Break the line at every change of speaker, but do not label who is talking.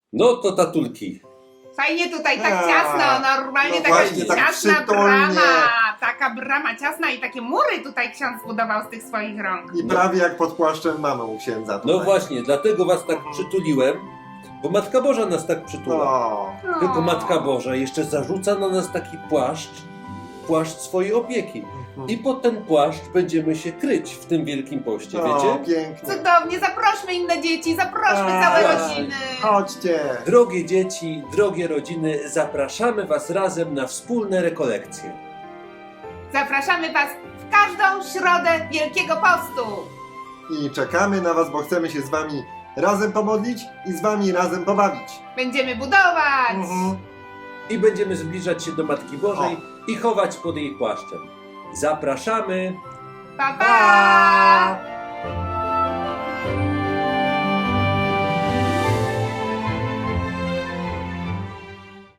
No to tatulki.
Fajnie tutaj, tak ciasno, normalnie
no
taka
właśnie, tak
ciasna
przytulnie.
brama. Taka brama ciasna i takie mury tutaj ksiądz zbudował z tych swoich rąk.
I prawie jak pod płaszczem mamy u księdza tutaj.
No właśnie, dlatego was tak przytuliłem, bo Matka Boża nas tak przytula.
No.
Tylko Matka Boża jeszcze zarzuca na nas taki płaszcz swojej opieki. I pod ten płaszcz będziemy się kryć w tym Wielkim Poście,
No,
wiecie?
pięknie.
Cudownie, zaprośmy inne dzieci, zaprośmy
A,
całe
tak.
rodziny.
Chodźcie.
Drogie dzieci, drogie rodziny, zapraszamy was razem na wspólne rekolekcje.
Zapraszamy was w każdą środę Wielkiego Postu.
I czekamy na was, bo chcemy się z wami razem pomodlić i z wami razem pobawić.
Będziemy budować.
I będziemy zbliżać się do Matki Bożej i chować pod jej płaszczem. Zapraszamy!
Pa, pa!